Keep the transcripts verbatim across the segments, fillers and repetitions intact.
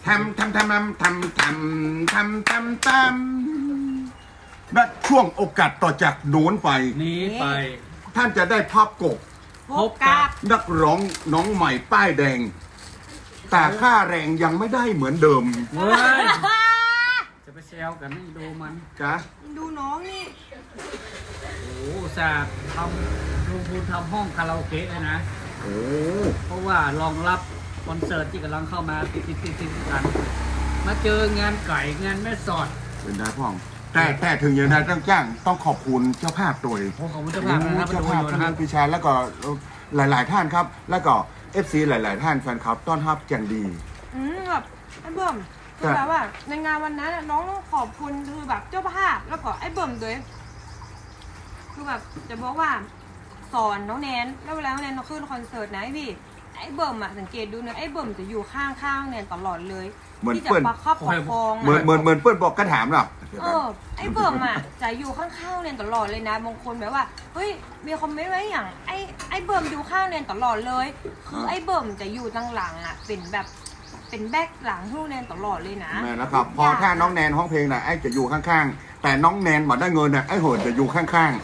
ทำทำทำทำทำทำทำทำทำและช่วงโอกาสต่อจากโน้นไปนี้ไปท่านจะได้ภาพกบพบกับนักร้องน้องใหม่ป้ายแดง แต่ค่าแรงยังไม่ได้เหมือนเดิมเว้ยจะไปแซวกันนี่ดูมันจ้ะดูน้องนี่โอ้โหอุตสาห์ทำลงทุนทำห้องคาราโอเกะเลยนะโอ้เพราะว่ารองรับคอนเสิร์ตที่กำลังเข้ามาติดติดติดติดกัน มาเจองานไก่งานแม่สอดเป็นได้พ่อง แต่แต่ถึงอย่างนั้นต้องจ้างต้องขอบคุณเจ้าภาพโดยโอ้ขอบคุณเจ้าภาพนะครับเจ้าดูภาพอยู่ท่านะครับนพิชาแล้วก็หลาย ๆ ท่านครับ แล้วก็เอฟซีหลาย ๆ ท่านแฟนคลับต้อนรับอย่างดีอืมแบบไอ้เบิ่มคือแบบว่าในงานวันนั้นน่ะน้องต้องขอบคุณคือแบบเจ้าภาพแล้วก็ไอ้เบิ่มด้วยคือแบบจะบอกว่าสอนน้องแนนแล้วเวลาน้องแนนเขาขึ้นคอนเสิร์ตนะไอ้พี่ไอ้เบิ่มอะสังเกตดูนะไอ้เบิ่มจะอยู่ข้างข้างๆแนนตลอดเลยเหมือนที่จะเปิ้ลประคับประคองเหมือนอะเหมือนเหมือนเปิ้ลบอกกระถามหรอกเออไอ้เบิ่มอะจะอยู่ข้างๆแนนตลอดเลยนะบางคนแบบว่าเฮ้ยมีคอมเมนต์ไว้อย่างไอ้ไอ้เบิ่มอยู่ข้างแนนตลอดเลย คือไอ้เบิ่มจะอยู่ตั้งหลังอะเป็นแบบเป็นแบ็คหลังทุกแนนตลอดเลยนะแม่แล้วครับ พอถ้าน้องแนนห้องเพลงน่ะไอ้จะอยู่ข้าง ๆ แต่น้องแนนมาได้เงินน่ะไอ้โหดจะอยู่ข้าง ๆ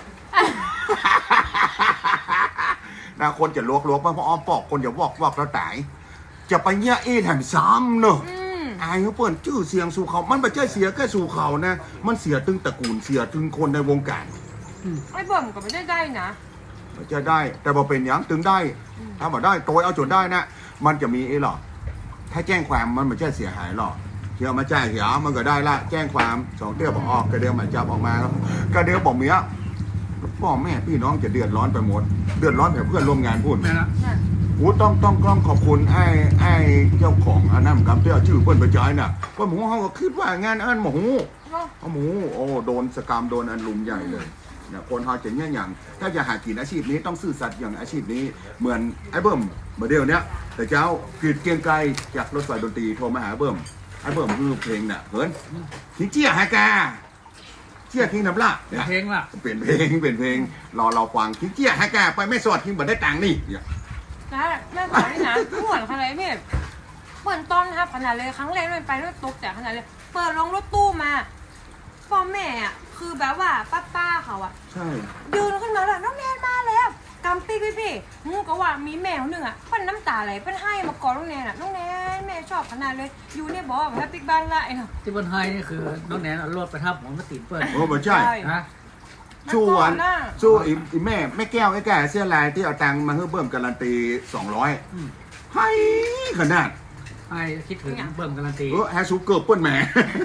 นะคนจะลวกลวกมาเพราะอ้อมปอกคนจะวอกวอกแล้วตาย จะไปเนี่ยเอแถมซ้ำเนอะอืมอายเขาเปิดชื่อเสียงสู่เขา มันไม่ใช่เสียแค่สู่เขานะ มันเสียถึงตระกูลเสียถึงคนในวงการไอ้เบิ่มก็ไม่ได้ได้นะมันจะได้ แต่พอเป็นอย่างถึงได้ ถ้าบอกได้โตยเอาจนได้นะ มันจะมีไอ้หรอกถ้าแจ้งความมันไม่ใช่เสียหายหรอกเที่ยวมาจ่ายเสียมันก็ได้ละ แจ้งความสองเตี้ยบอกออกกระเดียวหมายจับออกมาแล้วกระเดียวบอกเมียพ่อแม่พี่น้องจะเดือดร้อนไปหมด เดือดร้อนแบบเพื่อนร่วมงานพูดแม่ละโอ้ต้องต้องต้องขอบคุณไอ้ไอ้เจ้าของอันนั้นครับที่เอาชื่อเพื่อนไปจ่ายน่ะว่าหมูเขาก็คิดว่างานอันหมูเนาะเอาหมูโอ้โดนสกรรมโดนอันลุมใหญ่เลยเนี่ยคนเขาจะเนี่ยอย่าง ถ้าจะหากินอาชีพนี้ต้องซื่อสัตย์อย่างอาชีพนี้เหมือนไอ้เบิ้มเมื่อเดียวเนี้ยแต่เจ้ากรีดเกรียงไกลจากรถไฟดนตรีโทรมาหาเบิ้มไอ้เบิ้มคือเพลงน่ะเหินทิ้งเจี้ยฮากาเจี้ยทิ้งน้ำละเนี่ยเพลงล่ะเปลี่ยนเพลงเปลี่ยนเพลงรอเราฟังทิ้งเจี้ยฮากาไปไม่สอดทิ้งบ่ได้ตังค์นี่เนี่ยนะแม่สอนนี่นะเหมือนขนาดพี่เหมือนตอนครับขนาดเลยครั้งแรกมันไปด้วยตกแต่ขนาดเลย เปิดลงรถตู้มาพ่อแม่อ่ะคือแบบว่าป้าป้าๆเขาอ่ะใช่ยืนขึ้นมาแล้วน้องแนนมาแล้วกำปีกพี่พี่งูก็ว่ามีแมวหนึ่งอ่ะเพิ่นน้ำตาไหลเพิ่นให้มากอดน้องแนนอ่ะน้องแนนแม่ชอบขนาดเลยอยู่เนี่ยบอกว่าแฮปปี้บ้านละไอ้เนาะที่บนไฮนี่คือน้องแนนเอารถไปทับหมอนมาติดเปิ้ลโอ้ไม่ใช่นะสู้อันน่ะสู้อีอีแม่แม่แก้วไอ้แก่เสื้อลายที่เอาตังค์มาให้เบิ่มการันตีสองร้อยอืมให้ขนาดไอ้คิดถึงเบิ่มการันตีเออแฮชูเกิร์เปิ้ลแหม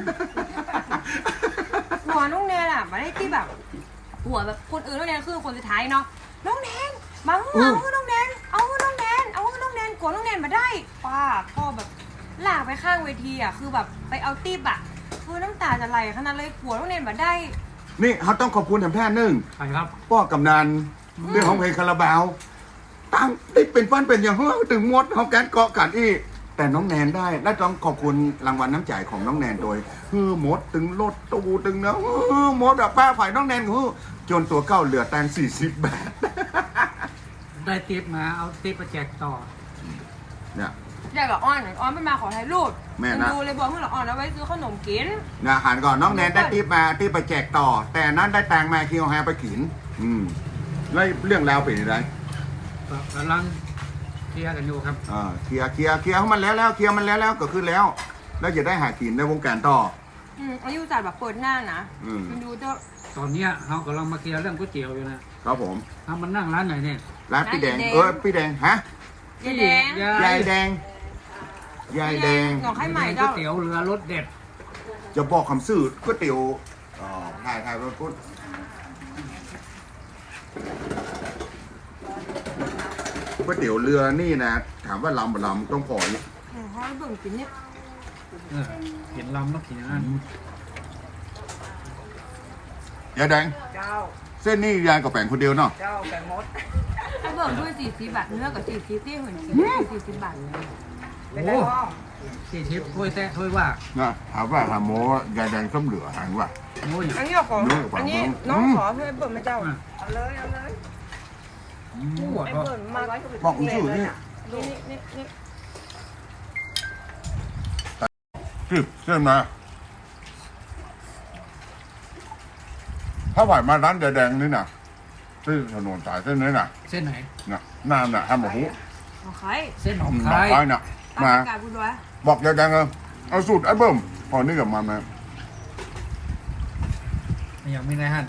หัวน้องแนนอ่ะมาได้ที่แบบหัวแบบคนอื่นน้องแนนคือคนสุดท้ายเนาะน้องแนนมาเอาเอาน้องแนนเอาน้องแนนเอาน้องแนนกดน้องแนนมาได้ป้าพ่อแบบลากไปข้างเวทีอ่ะคือแบบไปเอาติ๊บอ่ะคือน้ำตาจะไหลขนาดเลยหัวน้องแนนมาได้นี่เขาต้องขอบคุณแถมแท่หนึ่งใครครับป้อกำนันเรื่องของเพลงคาราบาวตั้งติดเป็นฟันเป็นอย่างเฮ้ยถึงมดเขาแกนเกาะกันอีกแต่น้องแนนได้และต้องขอบคุณรางวัลน้ำใจของน้องแนนโดยเฮ้อมดตึงรถตูตึงนะเฮ้อมดอะป้าฝ่ายน้องแนนเฮ้อจนตัวเก้าเหลือแตงสี่สิบบาทได้ติปมาเอาติปไปแจกต่อเนี่ยอยากกับอ้อนอ้อนไม่มาขอถ่ายรูปแม่นะดูเลยบอกเมื่อหลังอ้อนเอาไว้ซื้อขนมกินนะหันก่อนน้องแนนได้ทิปมาที่ไปแจกต่อ แต่นั้นได้แตงมาคิวแฮไปขิน อืมแล้วเรื่องราวเป็นยังไงกำลังเคลียร์กันอยู่ครับอ่าเคลียร์เคลียร์เคลียร์ให้มันแล้วแล้วเคลียร์มันแล้วแล้วก็คือแล้ว แล้วจะได้หากินในวงการต่ออืมอายุจัดแบบเปิดหน้านะอืมมันดูเจ้าตอนเนี้ยเรากำลังมาเคลียร์เรื่องก๋วยเตี๋ยวอยู่นะครับผมเอามันนั่งร้านไหนเนี่ยร้านพี่แดงเออพี่แดงฮะยายแดงยายแดงยายแดงหนองไข่ใหม่ก๋วเจ้ายเตี๋ยวเรือรสเด็ดจะบอกคำซื่อก๋วยเตี๋ยวอ๋อถ่ายถ่ายไปพูดก๋วยเตี๋ยวเรือนี่นะถามว่าลำบ่ลำต้องพออยู่อืมเขาให้เบิ่งกินเนี่ยเออเห็นลำต้องกินอย่างนั้นยายแดงเจ้าเส้นนี่ยายกับแป่งคนเดียวเนาะเจ้าแกงมดให้เบิ่งด้วยสี่สิบบาทเนื้อกับสี่สิบที่เหมือนกินสี่สิบบาทเลยเป็นไรบ้างสี่ทิปถ้วยแท้ถ้วยว่านะถามว่าถามโมยายแดงส้มเหลือหันว่าโอ้ยอันนี้เอาของเนื้อกับอันนี้ของน้องอืมขอให้เปิดไหมเจ้า เอาเลยเอาเลยปวดไอ้ก็เปิดมาไว้บอกคุณชื่อนี่นี่นี่นี่สิบใช่ไหมถ้าไหวมาร้านแดงๆนี่นะที่ถนนสายเส้นนี้น่ะเส้นไหนน่ะน้ำน่ะห้ามบอกหูโอเคเส้นหนองหคานักยไปน่ะตามมาประกาศบุญด้วยบอกแดงๆเลยเอาสูตรไอ้เบิ้มพอนี่กับมันนะอย่างมีนายฮัน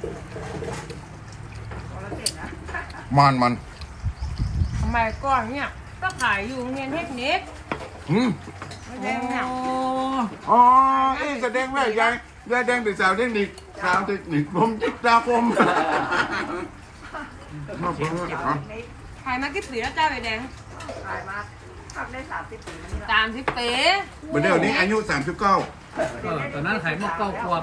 มันมันทำไมก่อนเนี่ยก็ขายอยู่โรงเรียนเทคนิคอืมไม่แดงเนี่ยอ๋อเอ๊ะแสดงว่ายายยายแดงเป็นสาวเทคนิคสาวเทคนิคผมจิตตาคมมาฟังอ่ะขายมากี่ปีแล้วจ้าใบแดงขายมาทำได้สามสิบปีแล้วนี่ละสามสิบปีเดี๋ยวนี้อายุสามสิบเก้าเออตอนนั้นขายหมกเก้าขวบ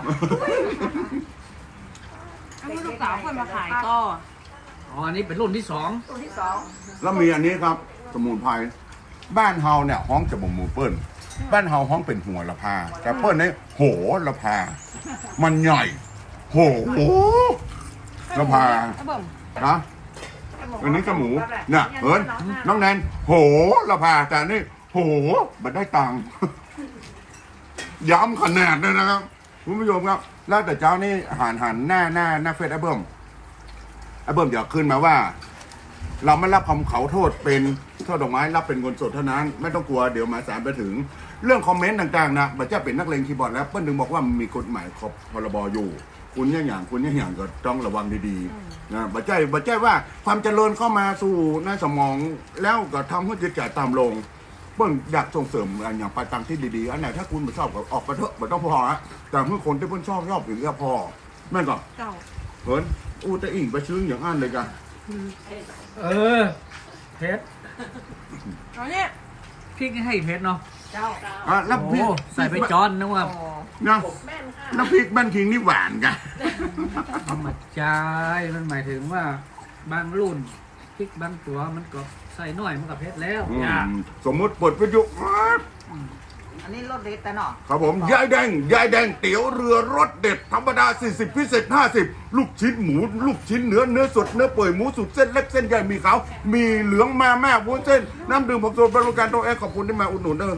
แล้วลูกสาวคนมาขายก็อ๋ออันนี้เป็นรุ่นที่สองตัวที่สองแล้วมีอันนี้ครับ สมุนไพรบ้านเฮาเนี่ยห้องจะบ่งหมูเปิ้ลบ้านเฮาห้องเป็นหัวละพาแต่เปิ้ลเนี่ยโหละพา มันใหญ่ โหละพาไอ้เบิ่มนะอันนี้ก็หมูน่ะเอิญน้องแนนโหละพาแต่นี่โหมันได้ตังค์ ย้ำขนาดเลยนะครับคุณผู้ชมครับ แล้วแต่เจ้านี่หันหันหน้าหน้าหน้าเฟซไอ้เบิ้มไอ้เบิ้มเดี๋ยวขึ้นมาว่า เราไม่รับคำเขาโทษเป็นโทษดอกไม้รับเป็นเงินสดเท่านั้น ไม่ต้องกลัวเดี๋ยวหมายสารไปถึง เรื่องคอมเมนต์ต่างๆนะบัจจ้าเป็นนักเลงคีย์บอร์ดแล้วเปิ้ลถึงบอกว่ามีกฎหมายขอบพรบอยู่ คุณอย่างอย่างคุณอย่างอย่างก็ต้องระวังดีๆนะบัจจ้าบัจจ้าว่าความเจริญเข้ามาสู่ในสมองแล้วก็ทำให้จิตใจต่ำลง เปิ้ลอยากส่งเสริมอันอย่างไปตามที่ดีๆอันไหนถ้าคุณไม่ชอบก็ออกไปเถอะไม่ต้องพอฮะแต่เมื่อคนที่เปิ้ลชอบชอบอย่างนี้ก็พอแม่นก่อนเจ้าเพิ่นอู้แต่อิ่งไปชื้นอย่างอันเลยกันเออเพชรตอนนี้พริกนี่ให้เพชรเนาะเจ้าอ่ะแล้วพี่โอ้ใส่ไปจอนนึกว่าโอ้นะแม่นค่ะน้ำพริกบ้านคิงนี่หวานกันธรรมจายมันหมายถึงว่าบางรุ่นพริกบางตัวมันก็ใส่น้อยมันกับเพชรแล้วอือย่ามสมมุติเปิดวิทยุอันนี้รถเด็ดแต่เนาะครับผมยายแดงยายแดงเตี๋ยวเรือรสเด็ดธรรมดาสี่สิบพิเศษห้าสิบลูกชิ้นหมู ลูกชิ้นเนื้อเนื้อสดเนื้อเปื่อยหมูสุดเส้นเล็กเส้นใหญ่มีขาวมีเหลืองมาแม่วุ้นเส้นน้ำดื่มผงโซดบริการโต๊ะแอร์ขอบคุณที่มาอุดหนุนเด้อ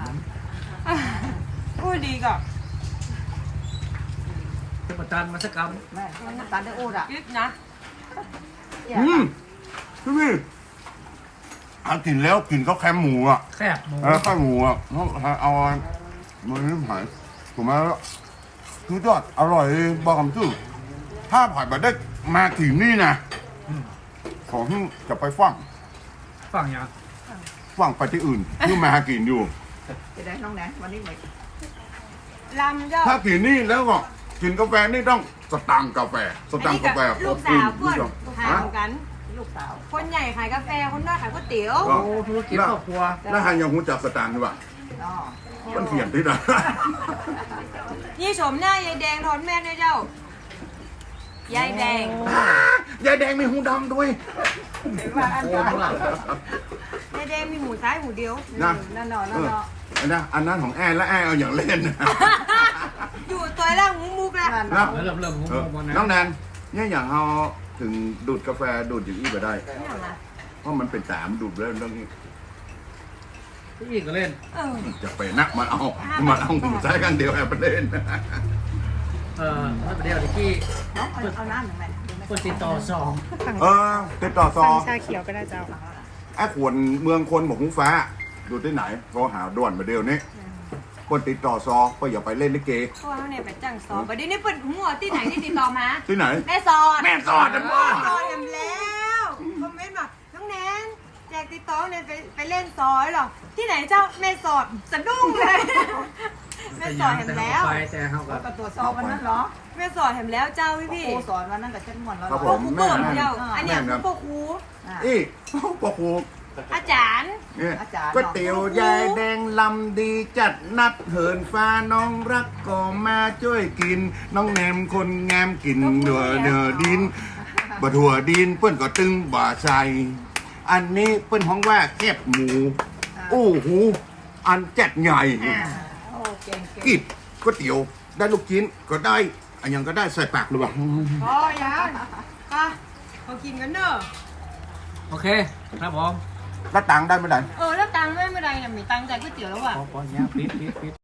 พูดดีก่อนเทพจันทร์มาสกรรมแม่มันน้ำตาลได้อูดอ่ะคิดนะอืมพี่พี่เอากินแล้วกินข้าวแคมหมูอ่ะแคบหมูเออข้าวหมูอ่ะเอาเอามันนี่ผ่านถูกไหมแล้วคือยอดอร่อยบอกคำชื่อถ้าผ่านมาได้มาถึงนี่นะขอให้จะไปฟังฝั่งอย่างฟังไปที่อื่นที่มาหากินอยู่จะได้น้องแหนวันนี้ไม่ลำเจ้าถ้ากินนี่แล้วก็กินกาแฟนี่ต้องสตังค์กาแฟสอันตังนี้ค์กักาบแฟลูกสาวเพื่อนฮะห่างกันลูกสาวคนใหญ่ขายกาแฟ คนน้อยขายก๋วยเตี๋ยวก็โอ้ธุรกิจครอบครัวแล้วหันยังหูจักสตังค์ใช่ป่ะเนาะมันเถียงที่ไหนนี่ชมหน้ายายแดงทอนแม่ด้วยเจ้า ยายแดงยายแดงมีหูดำด้วยเห็นว่าอันโอ้นั้นทุกหลังยายแดงมีหมูซ้ายหมูเดียวนะนั่นเนาะนั่นเนาะอันนั้นอันนั้นของแอนและแอนเอาอย่างเล่นนะอยู่ตัวล่างหมูมุกแล้วนั่นนะเนาะเริ่มเริ่มหมูเออหมดนะน้องแนนเนี่ยอย่างเราถึงดูดกาแฟดูดอย่างนี้ไปได้เนี่ยนะเพราะมันเป็นสามดูดแล้วเรื่องนี้พี่อีกก็เล่นเออจะไปนักมาเอามาเอาหูใช้กันเดียวแอบไปเล่นเออแล้วประเดี๋ยวตะกี้น้องเอาเอาน้ำหนึ่งแม่คนติดต่อสองเออติดต่อซอชาเขียวก็ได้เจ้าไอ้ขวนเมืองคนบอกหูฟ้า ดูที่ไหนก็หาด่วนมาเดียวนี้คนติดต่อซอก็อย่าไปเล่นลิเกเพราะว่าเนี่ยไปจ้างสอบประเดี๋ยวนี้เปิดหัวที่ไหนที่ติดต่อมาที่ไหนแม่สอดแม่สอดนะพ่อสอดกันแล้วคอมเมนต์มาน้องแนนแจกติดต่อเนี่ยไปไปเล่นซอยเหรอ ที่ไหนเจ้าแม่สอดสะดุ้งเลย แม่สอดเห็นแล้วไปแต่เขาก็ก็ตรวจสอบวันนั้นเหรอแม่สอดเห็นแล้วเจ้าพี่พี่ครูสอนวันนั้นกับเช่นมวนแล้วครับพผวกมครูแม่เปิดแม่เจ้าอันเนี้ยแม่ครับพวกครูอีพ่อครูอาจารย์เนี่ยอาจารย์ก๋วยเตี๋ยวยายแดงลำดีจัดนัดเหินฟ้าน้องรักก็มาช่วยกิน น้องแนมคนงามกินเดือเดือดินบะถั่วดินเปิ้นก็ตึงบ่าใส่อันนี้เปิ้นห้องว่าแคบหมูโอ้โหอันจัดใหญ่อ่าโอ้เก่งเก่งกิบก๋วยเตี๋ยวได้ลูกชิ้นก็ได้อันยังก็ได้ใส่ปากหรือเปล่าพอยังไปเขากินกันเนอะโอเคครับผมแล้วตังค์ได้เมื่อไหร่เออแล้วตังค์ไม่เป็นไรเนี่ยมีตังค์จ่ายก๋วยเตี๋ยวแล้วอ่ะพอพอเนี้ยปิดปิดปิด